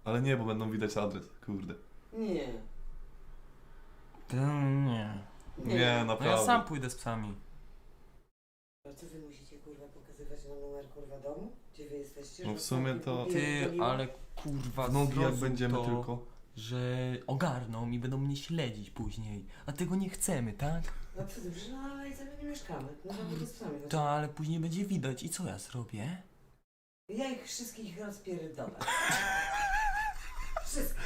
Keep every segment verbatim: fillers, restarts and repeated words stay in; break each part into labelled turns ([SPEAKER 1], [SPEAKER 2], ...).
[SPEAKER 1] Ale nie, bo będą widać adres, kurde.
[SPEAKER 2] Nie.
[SPEAKER 3] To nie.
[SPEAKER 1] Nie,
[SPEAKER 3] No
[SPEAKER 1] naprawdę.
[SPEAKER 3] ja sam pójdę z psami.
[SPEAKER 2] A co wy musicie kurwa pokazywać na numer kurwa domu? Gdzie wy jesteście?
[SPEAKER 1] No
[SPEAKER 2] Że
[SPEAKER 1] w sumie
[SPEAKER 2] ostatnio
[SPEAKER 1] to-
[SPEAKER 2] kupiłem
[SPEAKER 3] Ty,
[SPEAKER 2] paliwo?
[SPEAKER 3] ale kurwa,
[SPEAKER 1] W nogi jak
[SPEAKER 3] zrozum
[SPEAKER 1] będziemy
[SPEAKER 3] to,
[SPEAKER 1] tylko.
[SPEAKER 3] że ogarną i będą mnie śledzić później. A tego nie chcemy, tak?
[SPEAKER 2] No co ty, że na Alejce my nie mieszkamy. No żeby z psami chodzi.
[SPEAKER 3] To, ale później będzie widać. I co ja zrobię?
[SPEAKER 2] Ja ich wszystkich rozpierdolę. Wszystkich.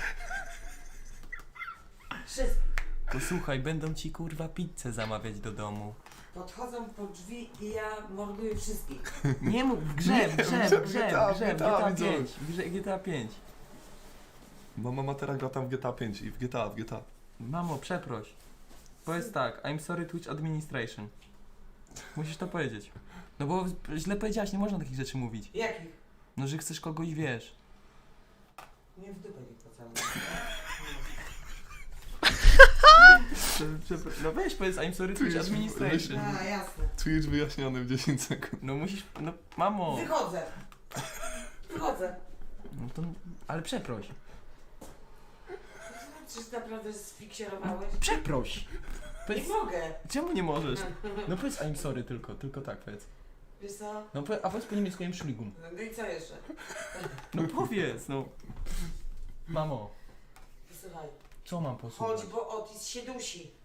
[SPEAKER 2] Wszystkich.
[SPEAKER 3] To słuchaj, będą ci kurwa pizzę zamawiać do domu.
[SPEAKER 2] Podchodzą po drzwi i ja morduję wszystkich.
[SPEAKER 3] Nie mów, w grze, w grze, w grze, w grze, w G T A pięć. W grze G T A pięć.
[SPEAKER 1] Bo mama teraz gra tam w G T A pięć i w G T A, w G T A.
[SPEAKER 3] Mamo, przeproś. Powiedz tak, I'm sorry Twitch administration. Musisz to powiedzieć. No bo źle powiedziałaś, nie można takich rzeczy mówić.
[SPEAKER 2] Jakich?
[SPEAKER 3] No, że chcesz kogoś, wiesz.
[SPEAKER 2] Nie w dupę nie pocałuję.
[SPEAKER 3] No weź powiedz I'm sorry Twitch
[SPEAKER 1] Twitch,
[SPEAKER 3] administration.
[SPEAKER 2] A, jasne.
[SPEAKER 1] Twitch wyjaśniony w dziesięć sekund.
[SPEAKER 3] No musisz, no mamo.
[SPEAKER 2] Wychodzę. Wychodzę.
[SPEAKER 3] No to, ale przeproś.
[SPEAKER 2] Czyż naprawdę sfiksierowałeś?
[SPEAKER 3] Przeproś.
[SPEAKER 2] Nie
[SPEAKER 3] Powiedz,
[SPEAKER 2] mogę.
[SPEAKER 3] czemu nie możesz? No powiedz I'm sorry tylko, tylko tak powiedz.
[SPEAKER 2] Wiesz co?
[SPEAKER 3] No powiedz, a powiedz po niemiecku Entschuldigung.
[SPEAKER 2] No i co jeszcze?
[SPEAKER 3] No powiedz, no. Mamo,
[SPEAKER 2] Posłuchaj.
[SPEAKER 3] co mam posłuchać?
[SPEAKER 2] Chodź, bo Otis się dusi.